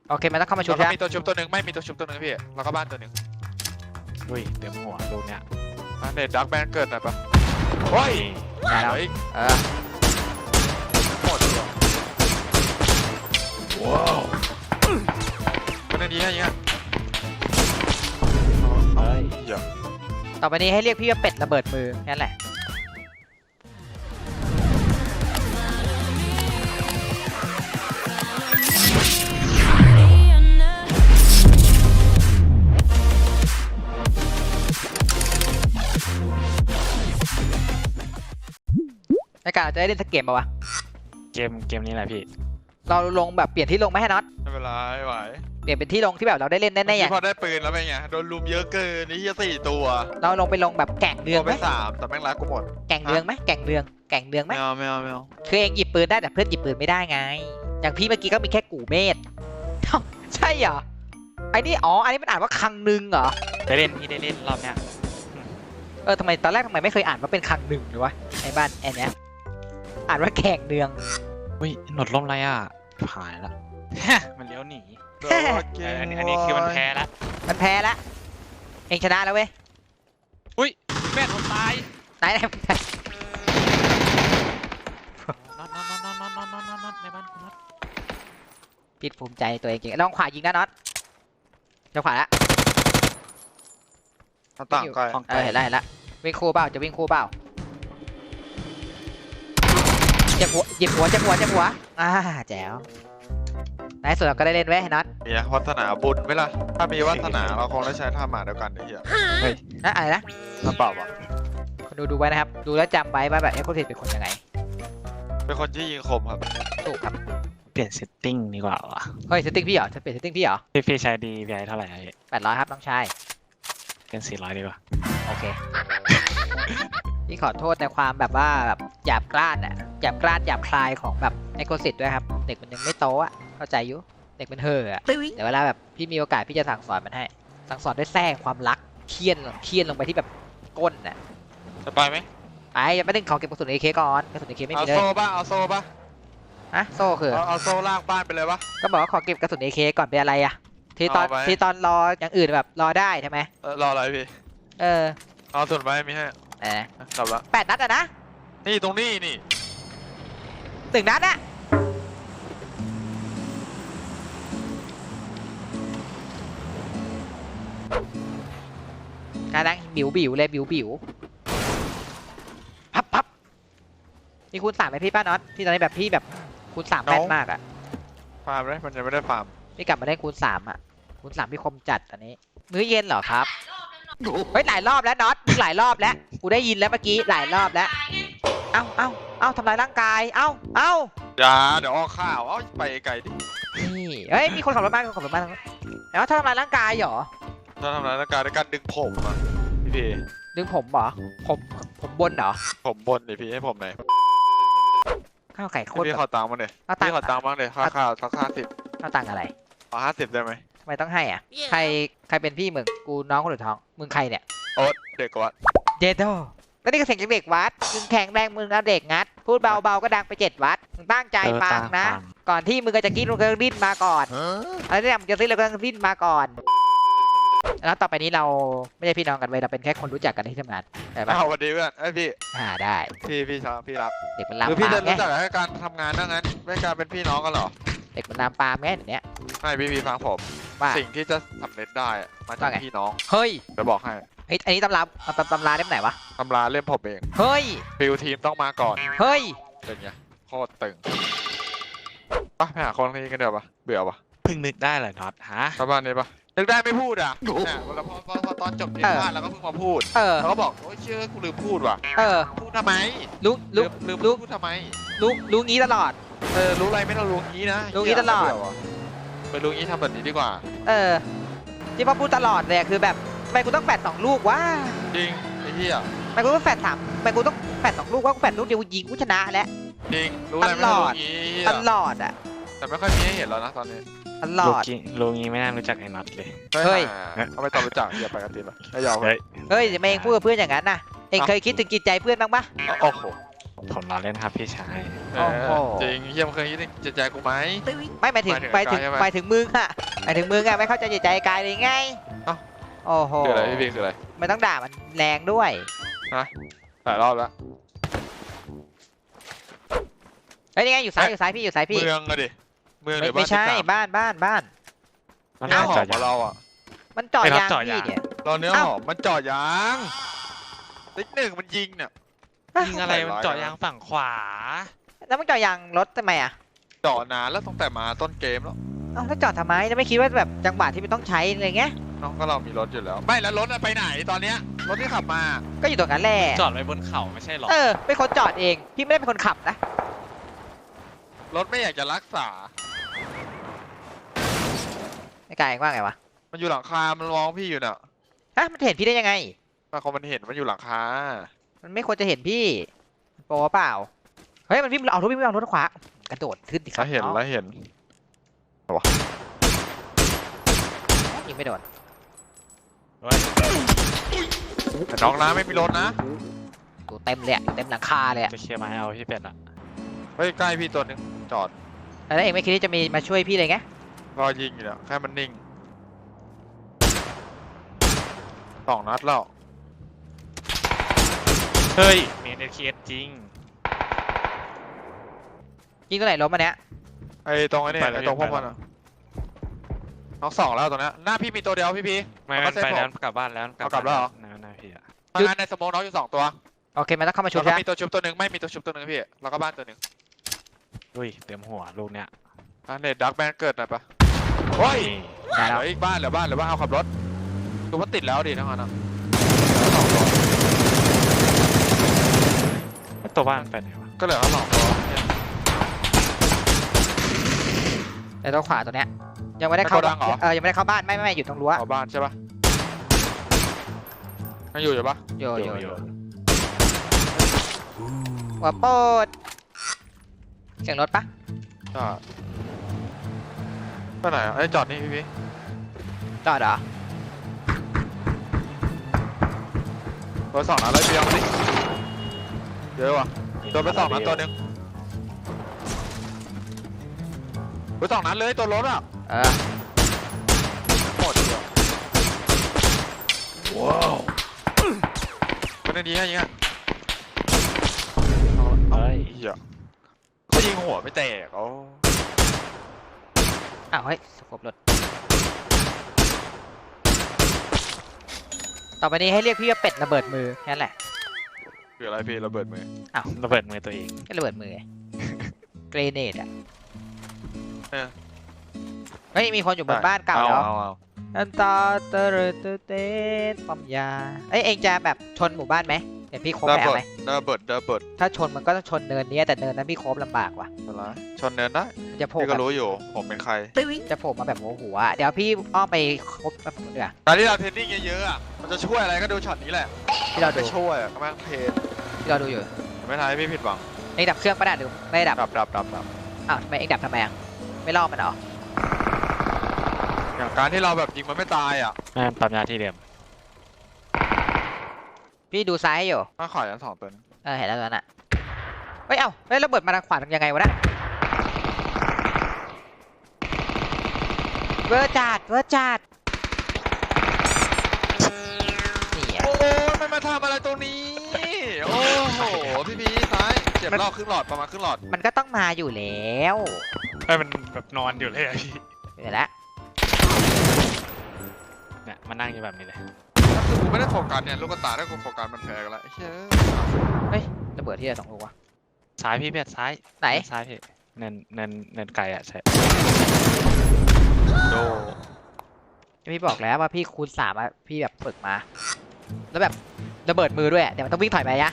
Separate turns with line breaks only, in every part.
โอเคมันต้องเข้ามาชุบ
แล้ว
ใช่
ก็
ไหม
มีตัวชุบตัวหนึ่งไม่มีตัวชุบตัวหนึ่งพี่แล้วก็บ้านตัวหนึ่ง
อุ้ยเต็มหัวลูกเนี้ย
เน็ตดักแบนเกิดหน่อยปะโอ้ย
ได้แล้ว
เฮ้ย
เออ
หมดเลยว้าวคนนี้ให้ยัง
เฮ้ย
เดี๋ยว
ต่อไปนี้ให้เรียกพี่ว่าเป็ดระเบิดมือแค่นั้นแหละในการเราจะได้เล่นสักเกมป่าวะ
เกมนี้แหละพี่
เราลงแบบเปลี่ยนที่ลงไหมให้น็อต
ไม่เป็นไรไม่ไหว
เปลี่ยนเป็นที่ลงที่แบบเราได้เล่นแน่ๆอย่าง
พอได้ปืนแล้วเป็นไงโดนลุมเยอะเกินนี่ยี่4 ตัว
เราลงไปลงแบบแก่งเรือง
ตัว
ไห
ไป
ม
3แต่แม่งรักกูหมด
แก่งเรืองไหมแก่งเรืองไหม
ไม่เอา
คือเองหยิบปืนได้แต่เพื่อนหยิบปืนไม่ได้ไง อย่างพี่เมื่อกี้ก็มีแค่กู่เมธ ใช่เหรอไอ้นี่อ๋ออันนี้มันอ่านว่าคังนึงเหรอ
ได้เล่นพี่ได้เล่นรอบเนี้ย
ทำไมตอนแรกทำไมไม่เคยอ่านว่าเป็นคังนึงหรือวะไอ้บ้านแอนเนี้ยอ่านว่าแข่งเนือง
อุ้ยหนวดล่มไรอ่ะหายละ มันเลี้ยวหนี
โดนเกม
อันนี้คือมันแพ้ละ
มันแพ้ละเองชนะแล้วเว้ย
อุ้ยแม่ผมตาย
ไหน
น็อตในบ้านคุณน็อต
พี่ภูมิใจในตัวเองจริงลองขวายิงนะน็อตจะขวาละ
หน้าต่างไกล
เห็นแล้ววิ่งคู่เปล่าจะวิ่งคู่เปล่าเจ็บหัวแจ๋วในสุดเราก็ได้เล่นไว้น็อต
มีวาสนาบุญไหมล่ะถ้ามีวาสนาเราคงได้ใช้ท่าหมาเดียวกันไอ้เหี้ย
นะอะไรนะ
น้ำเปล่าวะ
คนดูไว้นะครับดูแล้วจำไว้ว่าแบบเอ็กโคทิเป็นคนยังไง
เป็นคนที่ยิงคมครับ
ถูกครับ
เปลี่ยนเซตติ้งดีกว่าวะ
เฮ้ยเซตติ้งพี่เหรอจะเปลี่ยนเซตติ้งพี่เหรอ
พี่ใช้ดีพี่เท่าไหร่พี่
800ครับน้องชาย
เป็น400ดีกว่า
โอเค พี่ขอโทษในความแบบว่าแบบหยาบกร้านอ่ะหยาบคลายของแบบไอโคซิตด้วยครับ เด็กมันยังไม่โตอ่ะเข้าใจอยู่เด็กมันเห่ออ่ะเดี๋ยวเวลาแบบพี่มีโอกาสพี่จะสั่งสอนมันให้สั่งสอนด้วยแทรกความรักเคี่ยนลงไปที่แบบก้นอ่ะ
จะไปไหม
ไปยังไม่ได้ขอเก็บกระสุนเอเคก่อนกระสุนเอเคไม่
เอา
มีเลย
โซ่ป่ะเอาโซ่ป่ะ
ฮะโซ่คือ
เอาโซ่ลากบ้านไปเลยป่ะ
ก็บอกว่าขอเก็บกระสุนเอเคก่อนเป็นอะไรอ่ะทีตอน
เอาไป
ทีตอนรออย่างอื่นแบบรอได้ใช่ไหม
รออะไรพี่
เออ
เอาส่วนไปมีให้
ไหน
กลับละ
8 นัดอะนะ
นี่ตรงนี้นี่
1 นัดอะกำลังบิวเลยบิวพับมีคูณ 3ไหมพี่ป้าน็อตพี่ตอนนี้แบบพี่แบบคูณ 3แม่นมากอะ
ฟาร์มเลยมันยังไม่ได้ฟาร์ม
พี่กลับมาได้คูณ 3อะคูณ 3พี่คมจัดอันนี้มื้อเย็นเหรอครับเฮ้ยหลายรอบแล้วน็อตมึงหลายรอบแล้วกูได้ยินแล้วเมื่อกี้หลายรอบแล้วเอ้าทำลายร่างกายเอ้า
อย่าเดี๋ยวออกข่าวเอาไปไกลดิ
นี่เฮ้ยมีคนขับรถมาแล้วถ้าทำลายร่างกายเหรอ
ถ้าทำร้ายร่างกายด้วยการดึงผมอ่ะพี่
ดึงผมเหรอผมบนเหรอ
ผมบนดิพี่ให้ผมหน่อย
ข้าวไก่โคตร
พี่ขอตังค์มาเลย
เอาตัง
พี่
ค์
ขอตังค์บ้างเลยค่าข้าวสัก50
ข้าวตังค์อะไร
ขอ50ได้ไหม
ทำไมต้องให้อ่ะใครเป็นพี่มึงกูน้องคนหรือท้องมึงใครเนี่ย
โอ๊ตเด็กกว่า
เจโดแล้วนี่ก็เสียงจากเด็กวัดมึงแข็งแรงมึงเอาเด็กงัดพูดเบาๆก็ดังไป7 วัดมึงตั้งใจฟังนะ ก่อนที่มึงก็จะกินมึงก็ดิ้นมาก่อนอะไรที่มึงจะซื้อแล้วก็ดิ้นมาก่อนแล้วต่อไปนี้เราไม่ใช่พี่น้องกันเว้ยเราเป็นแค่คนรู้จักกันที่ทำงานได้ปะ
เอาสวัสดีเพื่อนไอ้พี่
ได้
พี่ชอบพี่รัก
เด็กมันลาม
คือพี่
ปา
จะ
มไง
รู้จักให้การทำงานนั่งนั้นไม่การเป็นพี่น้องกันเหรอ
เด็กมันลามปามไงเดี๋ยวนี้
ไม่พี่ฟังผม
ว่า
สิ่งที่จะสำเร็จได้อะมาจาก
ว่าไง
พี่น้อง
เฮ้ย
จะบอกให้
อันนี้ตำราเล่มไหนวะ
ตำราเล่มผมเอง
เฮ้ย
ฟิลทีมต้องมาก่อน
เฮ้ย
เป็นไงโคตรตึงปะไปหาคนนี้กันเดี๋ยวปะเบื่อปะ
เพิ่งนึกได้เหรอน็อตฮะ
ชาวบ้านนี้ปะนึกได้ไม่พูดอ่ะเนี่ยเวลาพอตอนจบเทปบ้านแล้วก็เพิ่งมาพูด แล้วก็บอกโอ้ยเชื่อกูลืมพูดว่ะ พูดทำไม
รู้
ลืมพูดทำไม
รู้งี้ตลอด
รู้อะไรไม่ต้องรู้งี้นะ
รู้งี้ตลอด
เหี้ยน่าเบื่ว่ะไปรู้งี้ทำแบบนี้ดีกว่า
ที่พ่อพูดตลอดเลยคือแบบทำไมกูต้องแฝด2 ลูกวะ
จริงไอ้เหี้ย
ทำไมกูต้องแฝด3ทำไมกูต้องแฝด2 ลูกว่ากูแฝดลูกเดียวยิงกูชนะแล้ว
จริงรู้อะไรไม่ต้องรู้งี้เหี้ย
ตลอดอ่ะ
แต่ไม่ค่อยมีให้เห็นแล้วนะตอนนี้
ตลอด
ลูกงี้ไม่น่ารู้จักไอ้น็อตเลย
เฮ้ย
เอาไปต่อรู้จักอย่าไปกันตีปะไม่ยอม
เฮ้ย
เฮ้ยจะมาเองพูดกับเพื่อนอย่างนั้นนะเองเคยคิดถึงจิตใจเพื่อนบ้างปะ
โอ้โห
ผมรอเล่นครับพี่ชาย
เออจริงเฮียมึงเคยคิดถึงจิตใจกูไหม
ไม่หมายถึง
หมายถึง
หมายถึงมึงอะหมายถึงมึงอะไม่เข้าใจจิตใจกายเลยไง
เอ้า
โอ้โห
คืออะไรพี่บีคืออะไร
ไม่ต้องด่ามันแรงด้วย
หลายรอบแล้ว
เฮ้ยนี่ไงอยู่ซ้ายอยู่ซ้ายพี่อยู่ซ้ายพี่
เมืองอะดิเมืองหรือบ้า
ไม่
น
ใช่
ที่สาม
บ้าน
มัน
เนื้อหอ
จ
ม
อด
ของเราอ่ะ
มันเจาะ
ไม่รับ
ยาง
เจาะ
พี่
ยาง
เนี่ย
เราเนื้อ
เอ้า
หอมมันเจาะยางติ๊กหนึ่งมันยิงเนี่ย
ยิงอะไรมันเจาะยางฝั่งขวา
แล้วมันเจาะยางรถทำไมอะ
เจาะนานแล้วตั้งแต่มาต้นเกมแล้ว
เอ้าแล้วจอดทำไมจะไม่คิดว่าแบบจังหวะที่มันต้องใช้อะไรเงี้ย
น้องก็เรามีรถอยู่แล้ว ไม่แล้วรถอะไปไหนตอนเนี้ยรถที่ขับมา
ก็อยู่ตรงนั้นแหละ
จอดไว้บนเขาไม่ใช่หรอ
เป็นคนจอดเองพี่ไม่ได้เป็นคนขับนะ
รถไม่อยากจะรักษา
ไอ้กายว่าไงวะ
มันอยู่หลังคา มันร้องพี่อยู่น่ะ
ฮะมันเห็นพี่ได้ยังไง
บางคนมันเห็นมันอยู่หลังคา
มันไม่ควรจะเห็นพี่มันโปรเปล่าเฮ้ยมันวิ่งเอารถวิ่งเอารถขวากระโดดขึ้นดิครั
แล้
บ
วเห็น
น้อง
แล้วเห็น
ยิงไม่โดน
แต่น้องนะไม่มีรถนะ
อยู่เต็มเลยอะอยู่เต็มหลังคาเลยอะ
จะเคลียร์มาให้เอาพี่เป็ดอะ
เฮ้ยใกล้พี่ตัวหนึงจอด
แล้วเองไม่คิดที่จะมีมาช่วยพี่เลยไง
รอยิงอยู่เนี่ยแค่มันนิ่ง2 นัดแล้ว
เฮ้ยเมนเอเคสจริง
ยิงตัวไหนล้มมาเนี้ย
ไอ้ตรงไอ้นี่
ไปแล้ว
ไอ้ตรงพวกมันอะน้อง2แล้วตัวเนี้ยหน้าพี่มีตัวเดียวพี่พี
ไม่
เอา
มั
มาน เซ็ต
ไปแล้ว
ผม
กลับบ้านแล้ว
เอากลับแล้วเหรอ
นาพี่อะ
ทำงานในสโมองน้องอยู่2 ตัว
โอเคมันต้องเข้ามาชุบ
แล้ว
ใช่
ก็
ไหม
มีตัวชุบตัวหนึ่งไม่มีตัวชุบตัวหนึ่งพี่แล้วก็บ้านตัวหนึ่ง
อุ้ยเต็มหัวลูกเนี้ย
เน็ตดักแมนเกิดหน่อยปะโอ้ย
ได้
เห
แล้ว
ลืออีกบ้านเหลือบ้านเอาขับรถดูว่าติดแล้วดิทั้งนั้นอะ
ตัวบ้านไปไหนวะ
ก็เหลือแค่2 ตัวเนี่ย
แต่ตัวขวาตัวเนี้ยยังไม่ได้เข้า
ในโกดังเหรอ
ยังไม่ได้เข้าบ้านไม่อยู่ตรงรั้ว
เอาบ้านใช่ปะยังอยู่ปะ
อยู่หัวโปดเสียงรถปะ
อ่าไปไหนอ่ะไอ้ยจอดนี่พี่
จอดเหรอ
เบอร์ 2 นัดเลยพี่เอามาดิเยอะว่ะโดนไป2 นัดตัวหนึ่งเบอร์ 2 นัดเลยตัวรถอ่ะ หมดเดียวว้าวเป็นอันนี้ไงยิงอ่ะ
เฮ้ย
เหี้ยเขายิงหัวไม่แตกเขา
อ้าวเฮ้ยสกบรถต่อไปนี้ให้เรียกพี่ว่าเป็ดระเบิดมือแค่นั้นแหละ
คืออะไรพี่ระเบิดมือ
ระเบิดมือตัวเอง
ก็ระเบิดมือไง เกรเนดอ่ะ
เออ
เฮ้ยมีคนอยู่บนบ้านเก่าแล้ว
เอา
อันตาเตอร์เตเตนปั๊มยาเอ้ยเองจะแบบชนหมู่บ้านไหมเดี๋ยวพี่โคบ
ระ
ไปเอา
เบิ
ไหม
ดระเบิด
ถ้าชนมันก็ต้องชนเนินเนี้ยแต่เนินนั้นพี่โคบลำบากว่ะ
อะไรชนเนินได้
มันจะโผล่
พี่
แบ
ก็
บ
รู้อยู่ผมเป็นใคร
จะโผล่มาแบบหัวๆอะเดี๋ยวพี่อ้อมไปคบแบบนู้นดีกว่า
การที่เราเทรนนิ่งเยอะๆอ่ะมันจะช่วยอะไรก็ดูช็อตนี้แหละ
ที่เราดู
จะช่วยอะก็แม่งเทรน
ที่เราดูอยู่
ไม่ทำให้พี่ผิดหวัง
เองดับเครื่องปะเนี่ยหรือไม่ดับ
ดับ
อ้าวทำไมเองดับทำไมอ่ะไม่ล่อมันเหรอ
อย่างการที่เราแบบยิงมันไม่ตายอ่ะ
แม่งปั๊มยาที่เดิม
พี่ดูซ้ายให้อยู่
ถ้าขอยัน2 ตัวนึง
เห็นแล้วตอนนั้นอ่ะเฮ้ยเอ้าแล้วระเบิดมาทางขวาทำยังไงวะนะเวอร์จัดนี่อ่ะ
โอ้ไม่มาทำอะไรตรงนี้โอ้โหพี่พีซ้ายเจ็บรอบครึ่งหลอดประมาณครึ่งหลอด
มันก็ต้องมาอยู่แล้ว
ให้มันแบบนอนอยู่เลยอะพี่
เห็นแล้ว
เนี่ยมานั่งอยู่แบบนี้เลย
ก็คือกูไม่ได้โฟกัสเนี่ยลูกตาถ้ากูโฟกัสมันแพ้กันละเฮ้ย
ระเบิดที่ไหน2 ลูกวะ
ซ้ายพี่เป็ดซ้าย
ไหน
ซ้ายพี่เนินไกลอะใช่
โด
พี่บอกแล้วว่าพี่คูณ3อ่ะพี่แบบฝึกมา แล้วแบบระเบิดมือด้วยอะเดี๋ยวมันต้องวิ่งถอยไปยะ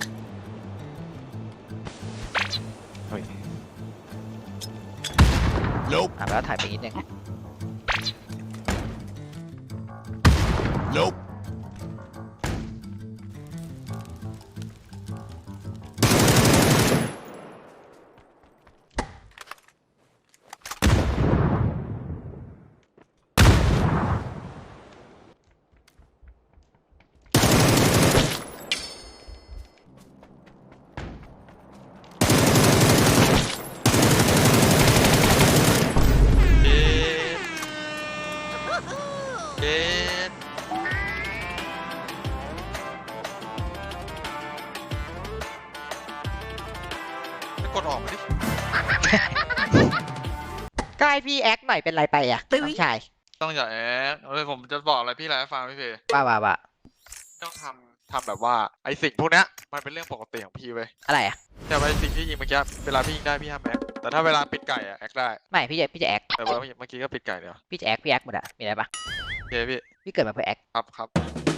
เฮ้ย
แล้วถ่ายไปนิดนึง
เย็นจะกดออกมาดิ
ก็ให้พี่แอคหน่อยเป็นไรไปอ่ะน้องชาย
ต้องอย่าแอบผมจะบอกอะไรพี่แหละให้ฟังพี่เพย์
ว่า
ต้องทำแบบว่าไอสิ่งพวกเนี้ยมันเป็นเรื่องปกติของพี่เว้ย
อะไรอ่ะ
แต่ว่าไอสิ่งที่ยิงเมื่อกี้เวลาพี่ยิงได้พี่ห้ามแอคแต่ถ้าเวลาปิดไก่อะแอคได้
ไม่พี่จะแอค
แต่ว่าเมื่อกี้ก็ปิดไก่เดียว
พี่จะแอคมีอะไรปะ
โอเคพี่
พี่เกิดมาเพื่อแอค
ครับ